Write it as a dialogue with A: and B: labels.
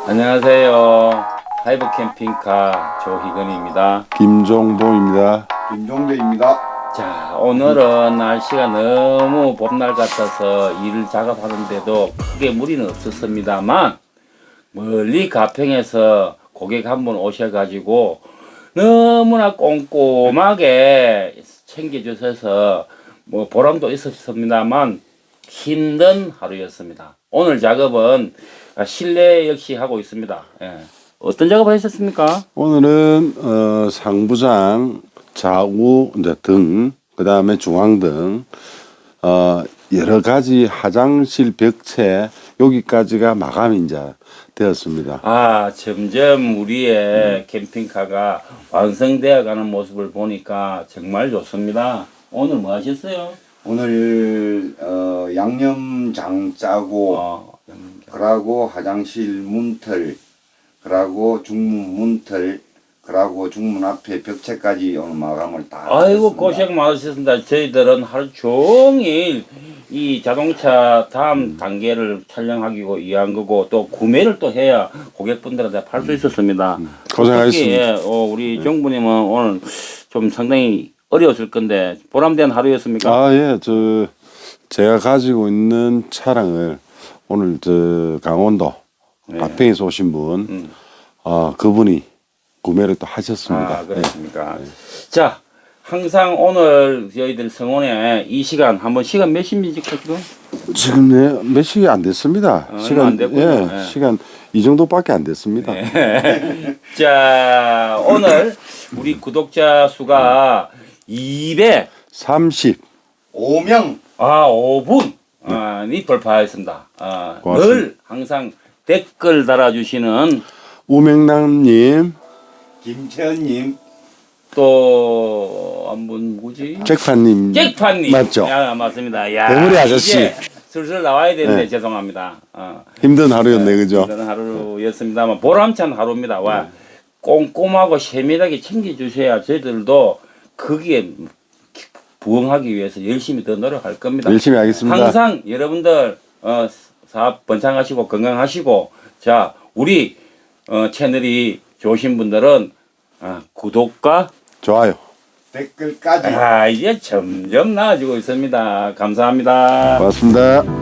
A: 안녕하세요. 하이브 캠핑카 조희근입니다.
B: 김종보입니다.
C: 김종대입니다.
A: 자, 오늘은 날씨가 너무 봄날 같아서 일을 작업하는데도 크게 무리는 없었습니다만 멀리 가평에서 고객 한 분 오셔가지고 너무나 꼼꼼하게 챙겨주셔서 뭐 보람도 있었습니다만 힘든 하루였습니다. 오늘 작업은 실내 역시 하고 있습니다. 예. 어떤 작업을 하셨습니까?
B: 오늘은 상부장, 좌우 이제 등, 그 다음에 중앙등, 여러 가지 화장실 벽체 여기까지가 마감이 이제 되었습니다.
A: 아, 점점 우리의 캠핑카가 완성되어 가는 모습을 보니까 정말 좋습니다. 오늘 뭐 하셨어요?
C: 오늘 양념장 짜고 그러고 화장실 문틀 그러고 중문 문틀 그러고 중문 앞에 벽체까지 오늘 마감을 다
A: 아이고,
C: 했습니다.
A: 고생 많으셨습니다. 저희들은 하루 종일 이 자동차 다음 단계를 촬영하기고 위한 거고 또 구매를 또 해야 고객분들한테 팔 수 있었습니다.
B: 고생하셨습니다.
A: 특히 우리 정부님은 오늘 좀 상당히 어려웠을 건데 보람된 하루였습니까?
B: 아, 예, 제가 가지고 있는 차량을 오늘 강원도 가평에서 오신 분, 그분이 구매를 또 하셨습니다.
A: 아, 그렇습니까? 자, 항상 오늘 저희들 성원에 이 시간 한번 시간 몇 시입니까 지금?
B: 지금 몇 시간 안 됐습니다.
A: 얼마 안 됐군요.
B: 예,
A: 예.
B: 시간 이 정도밖에 안 됐습니다.
A: 자, 오늘 우리 구독자 수가
B: 30.
C: 5명
A: 5분이 돌파했습니다.
B: 고맙습니다.
A: 늘 항상 댓글 달아주시는
B: 우명남님,
C: 김채연님
A: 또 한 분 누구지?
B: 잭파님.
A: 잭파님.
B: 맞죠?
A: 야, 맞습니다. 야,
B: 대머리 아저씨.
A: 이제 슬슬 나와야 되는데
B: 네.
A: 죄송합니다.
B: 힘든 하루였네, 그죠?
A: 그런 하루였습니다만 보람찬 하루입니다. 와, 꼼꼼하고 세밀하게 챙겨주셔야 저희들도 거기에 부응하기 위해서 열심히 더 노력할 겁니다.
B: 열심히 하겠습니다.
A: 항상 여러분들 사업 번창하시고 건강하시고 자 우리 채널이 좋으신 분들은 구독과
B: 좋아요.
C: 댓글까지
A: 이제 점점 나아지고 있습니다. 감사합니다.
B: 고맙습니다.